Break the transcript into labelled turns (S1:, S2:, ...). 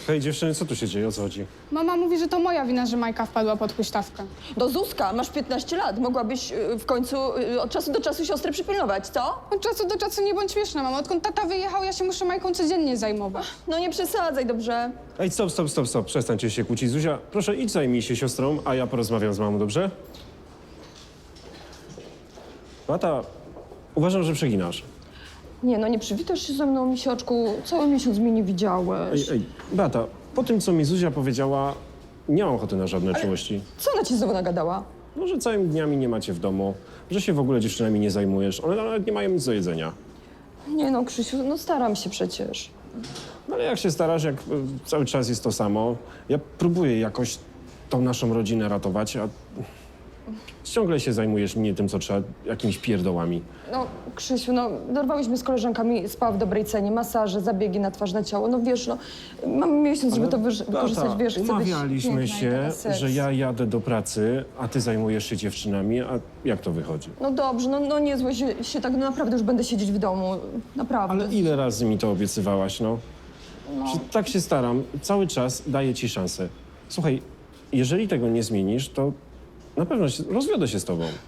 S1: Hej dziewczyny, co tu się dzieje? O co chodzi?
S2: Mama mówi, że to moja wina, że Majka wpadła pod huśtawkę.
S3: No Zuzka, masz 15 lat. Mogłabyś w końcu od czasu do czasu siostrę przypilnować, co?
S2: Od czasu do czasu nie bądź śmieszna, mamo. Odkąd tata wyjechał, ja się muszę Majką codziennie zajmować.
S3: No nie przesadzaj, dobrze?
S1: Ej, stop. Przestańcie się kłócić. Zuzia, proszę idź zajmij się siostrą, a ja porozmawiam z mamą, dobrze? Mata, uważam, że przeginasz.
S3: Nie, no nie przywitasz się ze mną, misioczku. Cały miesiąc mnie nie widziałeś.
S1: Ej, Beata, po tym, co mi Zuzia powiedziała, nie mam ochoty na żadne czułości.
S3: Co ona ci znowu nagadała?
S1: No, że całymi dniami nie macie w domu, że się w ogóle dziewczynami nie zajmujesz. One nawet nie mają nic do jedzenia.
S3: Nie no, Krzysiu, no staram się przecież.
S1: No ale jak się starasz, jak cały czas jest to samo, ja próbuję jakoś tą naszą rodzinę ratować, a ciągle się zajmujesz nie tym, co trzeba, jakimiś pierdołami.
S3: No, Krzysiu, no dorwałyśmy z koleżankami spa w dobrej cenie, masaże, zabiegi na twarz, na ciało. No wiesz, no mamy miesiąc, żeby to wykorzystać, wiesz, chcę być
S1: umawialiśmy
S3: piękna i
S1: się,
S3: taka seks.
S1: że ja jadę do pracy, a ty zajmujesz się dziewczynami, a jak to wychodzi?
S3: No dobrze, no nie złość się tak, no naprawdę już będę siedzieć w domu, naprawdę.
S1: Ale ile razy mi to obiecywałaś, no? Że tak się staram, cały czas daję ci szansę. Słuchaj, jeżeli tego nie zmienisz, to na pewno rozwiodę się z tobą.